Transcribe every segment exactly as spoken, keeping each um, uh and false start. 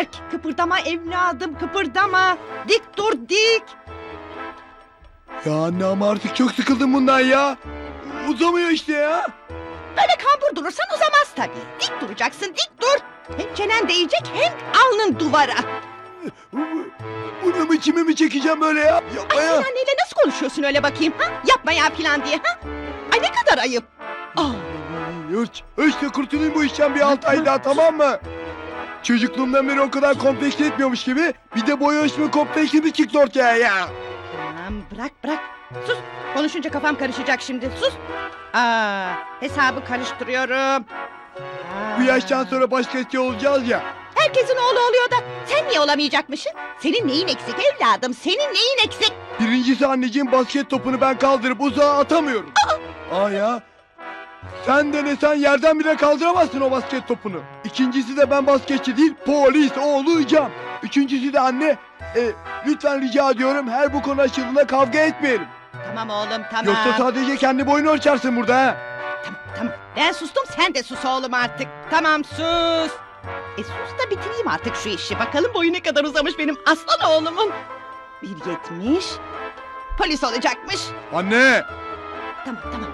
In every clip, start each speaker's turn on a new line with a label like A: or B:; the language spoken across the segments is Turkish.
A: Berk, kıpırdama evladım, kıpırdama. Dik dur, dik.
B: Ya anne ama artık çok sıkıldım bundan ya. Uzamıyor işte ya.
A: Böyle kambur durursan uzamaz tabii. Dik duracaksın, dik dur. Hem çenen değecek hem alnın duvara.
B: Bunu mu içime mi çekeceğim böyle ya? Yapma
A: Ay
B: ya.
A: sen anneyle nasıl konuşuyorsun öyle bakayım ha? Yapma ya falan diye ha? Ay ne kadar ayıp. Aa,
B: Hiç, işte kurtulayım bu işten bir altı ay daha, tamam mı? Çocukluğumdan beri o kadar kompleks etmiyormuş gibi bir de boy ölçme kompleksi mi çıktı ortaya ya?
A: tamam bırak bırak. Sus. Konuşunca kafam karışacak şimdi. Sus. Aa, hesabı karıştırıyorum. Aa.
B: Bu yaştan sonra başkası olacağız ya.
A: Herkesin oğlu oluyor da sen niye olamayacakmışsın? Senin neyin eksik evladım? Senin neyin eksik?
B: Birincisi anneciğim, basket topunu ben kaldırıp uzağa atamıyorum. Aa, Aa ya. Sen de ne sen yerden bile kaldıramazsın o basket topunu. İkincisi de ben basketçi değil polis olacağım. Üçüncüsü de anne e, lütfen rica ediyorum her bu konu açıldığında kavga etmeyelim.
A: Tamam oğlum tamam.
B: Yoksa sadece kendi boyunu ölçersin burada ha.
A: Tamam tamam. Ben sustum sen de sus oğlum artık. Tamam sus. E sus da bitireyim artık şu işi. Bakalım boyu ne kadar uzamış benim aslan oğlumun. Bir yetmiş. Polis olacakmış.
B: Anne
A: Tamam tamam.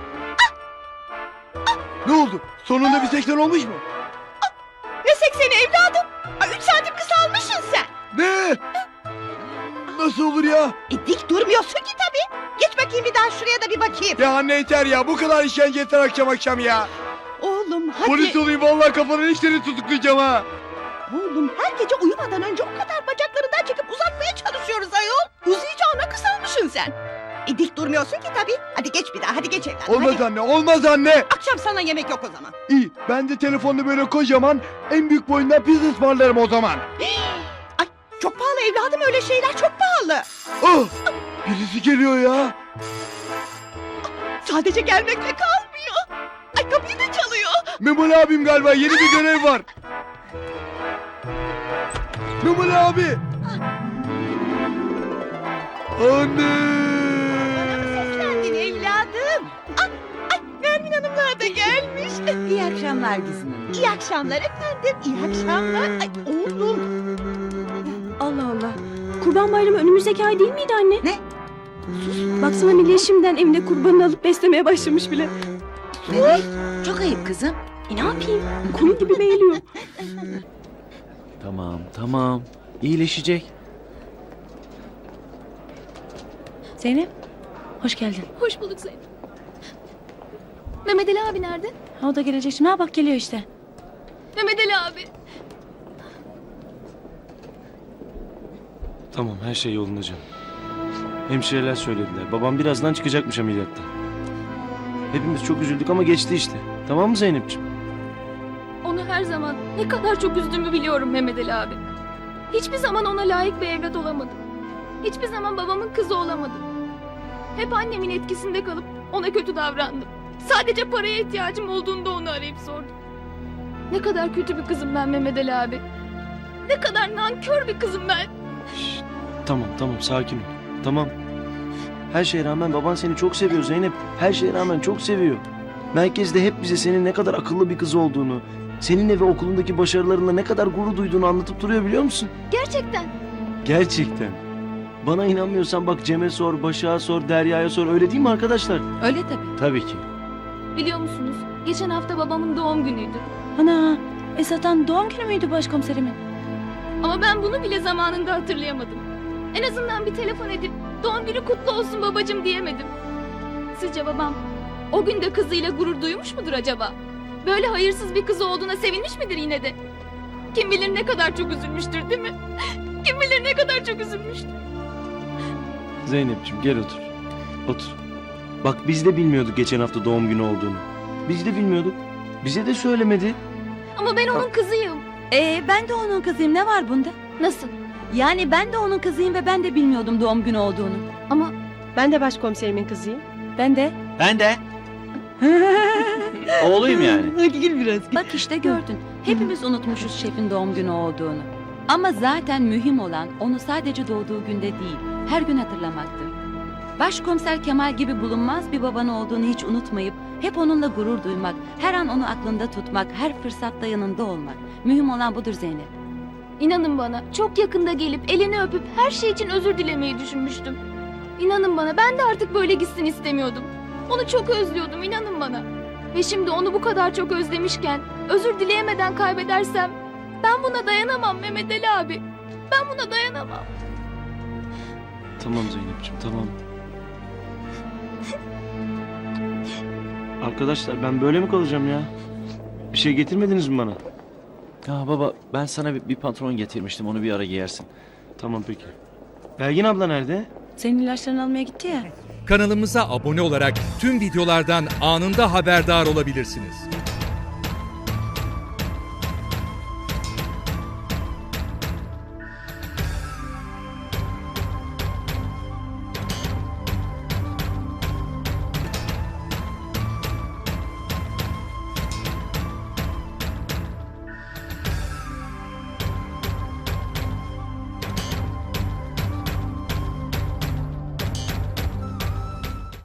B: ne oldu? Sonunda bir seksen olmuş mu?
A: Ne sekseni evladım? Ay, üç santim kısalmışsın sen.
B: Ne? Nasıl olur ya?
A: E dik durmuyorsun ki tabii. Geç bakayım bir daha şuraya da bir bakayım.
B: Ya anne yeter ya, bu kadar işkence yeter akşam akşam ya.
A: Oğlum hadi.
B: Polis olayım vallahi kafanın işlerini tutuklayacağım ha.
A: Oğlum her gece uyumadan önce o kadar bacaklarından çekip uzatmaya çalışıyoruz ayol. Uzayacağına kısalmışsın sen. E dik durmuyorsun ki tabii. Hadi geç bir daha hadi geç evladım.
B: Olmaz
A: hadi.
B: anne, olmaz anne.
A: Akşam sana yemek yok o zaman.
B: İyi, ben de telefonda böyle kocaman en büyük boyundan pizza ısmarlarım o zaman.
A: Ay çok pahalı evladım öyle şeyler çok pahalı.
B: Oh, birisi geliyor ya.
A: Sadece gelmekle kalmıyor. Ay kapıyı da çalıyor.
B: Memoli abim galiba, yeni bir görev var. Memoli abi. Anne.
A: Seslendin evladım. Ay, ay Nermin Hanımlar da gelmiş.
C: İyi akşamlar Gizem Hanım.
A: İyi akşamlar efendim. İyi akşamlar. Ay oğlum.
D: Allah Allah. Kurban Bayramı önümüzdeki ay değil miydi anne?
C: Ne?
D: Sus. Baksana millet şimdiden evinde kurbanını alıp beslemeye başlamış bile.
C: Melek, çok ayıp kızım.
D: E ne yapayım? Konu gibi beğeniyor.
E: Tamam, tamam. İyileşecek.
D: Zeynep, hoş geldin.
F: Hoş bulduk Zeynep. Mehmet Ali abi nerede?
D: Ha, o da gelecek şimdi. Ha bak geliyor işte.
F: Mehmet Ali abi.
E: Tamam, her şey yolunda canım. Hemşireler söylediler. Babam birazdan çıkacakmış ameliyattan. Hepimiz çok üzüldük ama geçti işte. Tamam mı Zeynep'ciğim?
F: Onu her zaman ne kadar çok üzdüğümü biliyorum Mehmet Ali abi. Hiçbir zaman ona layık bir evlat olamadım. Hiçbir zaman babamın kızı olamadım. Hep annemin etkisinde kalıp ona kötü davrandım. Sadece paraya ihtiyacım olduğunda onu arayıp sordum. Ne kadar kötü bir kızım ben Mehmet Ali abi. Ne kadar nankör bir kızım ben.
E: Şşt, tamam, tamam. Sakin ol. Tamam. Her şeye rağmen baban seni çok seviyor Zeynep. Her şeye rağmen çok seviyor. Merkezde hep bize senin ne kadar akıllı bir kız olduğunu, seninle ve okulundaki başarılarınla ne kadar gurur duyduğunu anlatıp duruyor, biliyor musun?
F: Gerçekten.
E: Gerçekten. Bana inanmıyorsan bak Cem'e sor, Başak'a sor, Derya'ya sor. Öyle değil mi arkadaşlar?
C: Öyle tabii.
E: Tabii ki.
F: Biliyor musunuz? Geçen hafta babamın doğum günüydü.
D: Ana, Esat'tan doğum günü müydü başkomiserimin?
F: Ama ben bunu bile zamanında hatırlayamadım. En azından bir telefon edip doğum günü kutlu olsun babacığım diyemedim. Sizce babam o gün de kızıyla gurur duymuş mudur acaba? Böyle hayırsız bir kızı olduğuna sevinmiş midir yine de? Kim bilir ne kadar çok üzülmüştür değil mi? Kim bilir ne kadar çok üzülmüştür.
E: Zeynep'ciğim gel otur. Otur. Bak biz de bilmiyorduk geçen hafta doğum günü olduğunu. Biz de bilmiyorduk. Bize de söylemedi.
F: Ama ben onun kızıyım.
C: Ee, ben de onun kızıyım. Ne var bunda?
F: Nasıl?
C: Yani ben de onun kızıyım ve ben de bilmiyordum doğum günü olduğunu.
F: Ama
D: Ben de başkomiserimin kızıyım.
C: Ben de.
G: Ben de. Oğluyum yani.
C: Hadi gel biraz. Bak işte gördün. Hepimiz unutmuşuz şefin doğum günü olduğunu. Ama zaten mühim olan onu sadece doğduğu günde değil, her gün hatırlamaktır. Başkomiser Kemal gibi bulunmaz bir baban olduğunu hiç unutmayıp hep onunla gurur duymak, her an onu aklında tutmak, her fırsatta yanında olmak. Mühim olan budur Zeynep.
F: İnanın bana, çok yakında gelip elini öpüp her şey için özür dilemeyi düşünmüştüm. İnanın bana, ben de artık böyle gitsin istemiyordum. Onu çok özlüyordum, inanın bana. Ve şimdi onu bu kadar çok özlemişken özür dileyemeden kaybedersem ben buna dayanamam Mehmet Ali abi. Ben buna dayanamam.
E: Tamam Zeynep'ciğim tamam. Arkadaşlar ben böyle mi kalacağım ya? Bir şey getirmediniz mi bana?
G: Ya baba ben sana bir, bir pantolon getirmiştim onu bir ara giyersin.
E: Tamam peki. Belgin abla nerede?
D: Senin ilaçlarını almaya gitti ya.
H: Kanalımıza abone olarak tüm videolardan anında haberdar olabilirsiniz.